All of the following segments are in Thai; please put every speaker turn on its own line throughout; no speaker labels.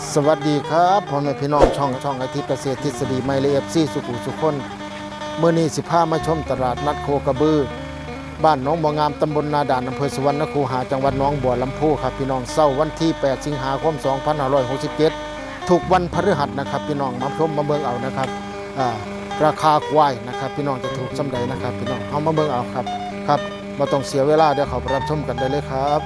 สวัสดีครับพ่อแม่พี่น้องช่องอาทิตย์เกษตรทฤษฎีไมเลฟซีสุขุสุคนเมื่อนี้15มาชมตลาดนัดโคกระบือบ้านหนองบัวงามตำบลนาด่านอำเภอสุวรรณคูหาจังหวัดหนองบัวลำพูครับพี่น้องเช้าวันที่8สิงหาคม2567ถูกวันพฤหัสนะครับพี่น้องมาชมมาเบิ่งเอานะครับราคาควายนะครับพี่น้องจะถูกสำใดนะครับพี่น้องเอามาเบิ่งเอาครับมาต้องเสียเวลาเดี๋ยวเขาไปรับชมกันได้เลยครับ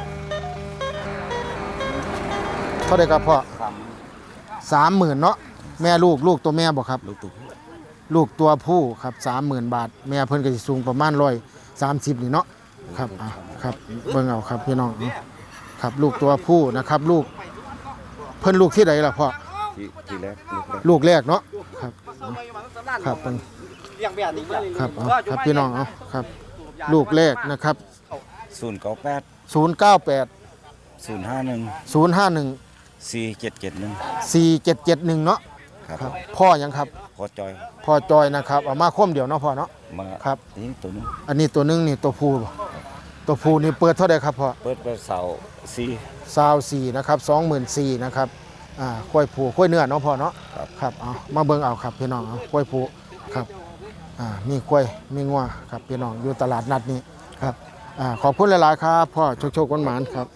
เท่าไหร่ครับพ่อ30,000เนาะแม่ลูกตัวแม่บ่ครับลูกตัวผู้ครับ30,000 บาทแม่เพิ่นก็สิสูงประมาณ130นี่เนาะครับครับเบิ่งเอาครับพี่น้องครับลูกตัวผู้นะครับลูกเพิ่นลูกที่ใดล่ะพ่อที่แรกลูกแรกเนาะครับครับเพิ่นครับครับพี่น้องเอาครับลูกแรกนะครับ
098
051 4771เนาะครับพ่อยังครับพ่อจอยนะครับเอามาคมเดียวเนาะพ่อเนาะครับอันนี้ตัวนึงนี่ตัวผู้นี่เปิดเท่าใดครับพ่อ
เปิดไปเสา
4นะครับ24,000นะครับกล้วยผู้กล้วยเนื้อเนาะพ่อเนาะครับเอามาเบิ่งเอาครับพี่น้องเอากล้วยผู้ครับมีกล้วยมีงัวครับพี่น้องอยู่ตลาดนัดนี้ครับขอบคุณหลายๆครับพ่อโชคหวานๆครับ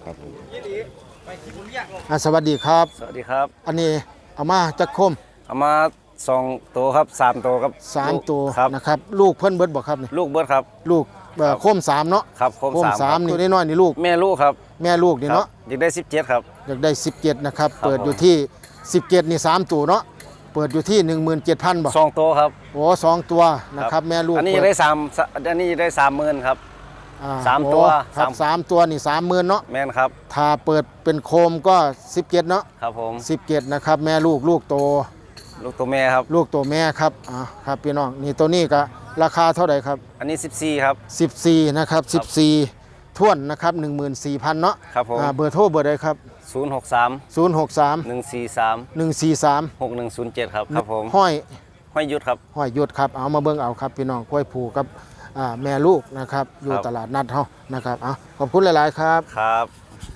สวัสดีครับ
สวัสดีครับ
อันนี้เอามาจักคม
เอามา2ตัวครับ3ตัวครับ
3ตัวนะครับลูกเพิ่นเบิดบ่ครับนี่
ลูกเบิดครับ
ลูกโคม3เนาะ
ครับโคม3
นี่น้อยๆนี่ลูก
แม่ลูกครับ
แม่ลูกนี่เนาะ
อยากได้17ครับ
อยากได้17นะครับเปิดอยู่ที่17นี่3ตัวเนาะเปิดอยู่ที่ 17,000 บ่
2ตัวครับ
โอ้2ตัวนะครับแม่ลูก
อันนี้ได้3อันนี้ได้ 30,000ครับ3ตัว
ครับ3ตัวนี่ 30,000 เนาะ
แม่นครับ
ถ้าเปิดเป็นโคมก็17เนาะ
ครับผม
17นะครับแม่ลูก
ตัวแม่ครับ
ลูกตัวแม่ครับครับพี่น้องนี่ตัวนี้ก็ราคาเท่าไหร่ครับ
อันนี้14ครับ
14นะครับ14ท้วนนะครับ 14,000 เนาะ
ครับผม
เบอร์โทรเบอร์ใดครับ
063 143
143
6107ครับผม
ห้อย
ยุทธครับ
ครับเอามาเบิ่งเอาครับพี่น้องกล้วยผูกับแม่ลูกนะครับอยู่ตลาดนัดเฮานะครับขอบคุณหลายๆครับ
ครับ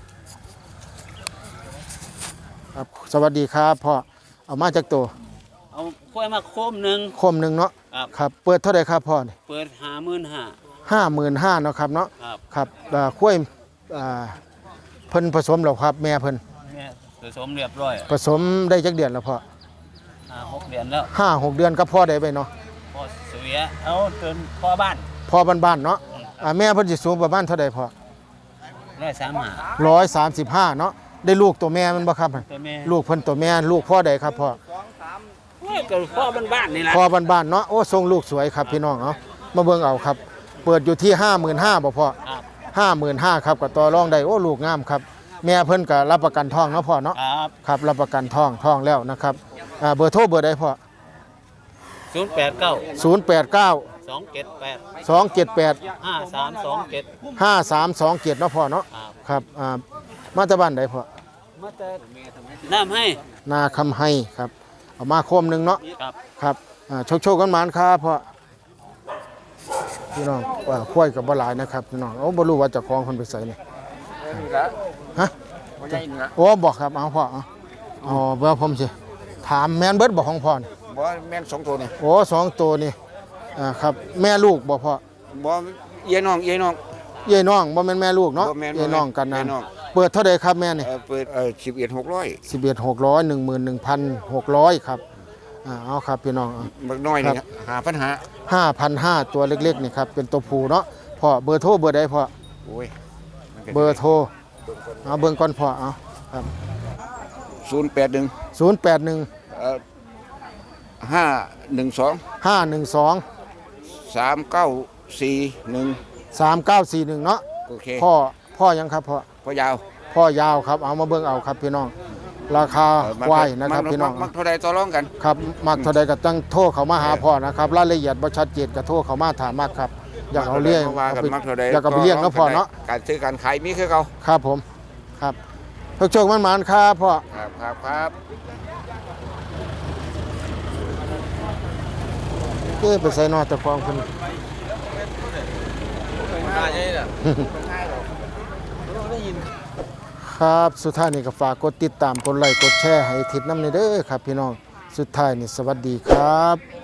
สวัสดีครับพ่อเอามาจากตัว
เอาค่อยมาโคมหนึ่ง
เนาะครับเปิดเท่าไหร่ครับพ่อนี่
เปิด
55,000เนาะครับเนาะครับกล้วยเพิ่นผสมแล้วครับแม่เพิ่น
ผสมเรียบร้อย
ผสมได้จักเดือนแล้วพ่อ
6 เดือนแล้ว
5-6 เดือนก็พ่อได้ไปเนาะ
พ่อเสียเอาจนพ่อบ้
านเนาะแม่เพิ่นสิสูงประมาณเท่าใดพ่อ135เนาะได้ลูกตัวแม่มันบ่ครับลูกเพิ่นตัวแม่ลูกพ่อใดครับพ่อ
ก็พ่อบ้านนี่แหละ
พ่อบ้านเนาะโอ้ทรงลูกสวยครับพี่น้องมาเบิ่งเอาครับเปิดอยู่ที่ 55,000บ่พ่อ55,000ครับก็ต่อรองได้โอ้ลูกงามครับแม่เพิ่นก็รับประกันท้องเนาะพ่อเนาะครับรับประกันท้องแล้วนะครับเบอร์โทรเบอร์ใดพ่อ
089
278 5327เนาะพ่อเนาะครับมาจากบ้านใดพ่อ
มาจากน้ำให้
นาคำให้ครับเอามาโคมนึงเนาะครับโชคกันหมานครับพ่อพี่น้องควายกับบ่หลายนะครับพี่น้องบ่รู้ว่าจะคล้องคนไปใส่นี่ฮะโอ้บอกครับเอาพ่อเบอร์ผมสิถามแม่นเบิดบอกของพ่อนี่
บ่แม่น2ตัวนี่
โอ้2ตัวนี่ครับแม่ลูกบ่พ่อ
บ่เยน้อง
บ่แม่นแม่ลูกเนาะเยน้องกันนั่นเปิดเท่าใดครับแม่นี่
เปิด11,600
11,600 ครับเอาครับพี่น้อง
บักน้อยนี่
5,500ตัวเล็กๆนี่ครับเป็นตัวผู้เนาะพ่อเบอร์โทรเบอร์ใดพ่อ
โอ้ย
เบอร์โทรเอาเบิ่งก่อนพ่อเอาครับ
081 512 3941
เนาะ
โอเค
พ่อยังครับพ่อยาวครับเอามาเบิ่งเอาครับพี่น้องราคาควายนะครับพี่น้อง
มักเท่าใดต่อรองกัน
ครับมักเท่าใดก็ต้องโทรเข้ามาหาพ่อนะครับรายละเอียดบ่ชัดเจนก็โทรเข้ามาถามมากครับอยากเอาเลี้ยงอยากเอาไปเลี้ยงนะพ่อเนาะ
การซื้อการขายมีคือเก่า
ครับผมครับโชคมันครับพ่อ
ครับ
ไปใส่นอตะฟองคนครับสุดท้ายนี่ก็ฝากกดติดตามกดไลค์กดแชร์ให้ทิศน้ำในเด้อครับพี่น้องสุดท้ายนี่สวัสดีครับ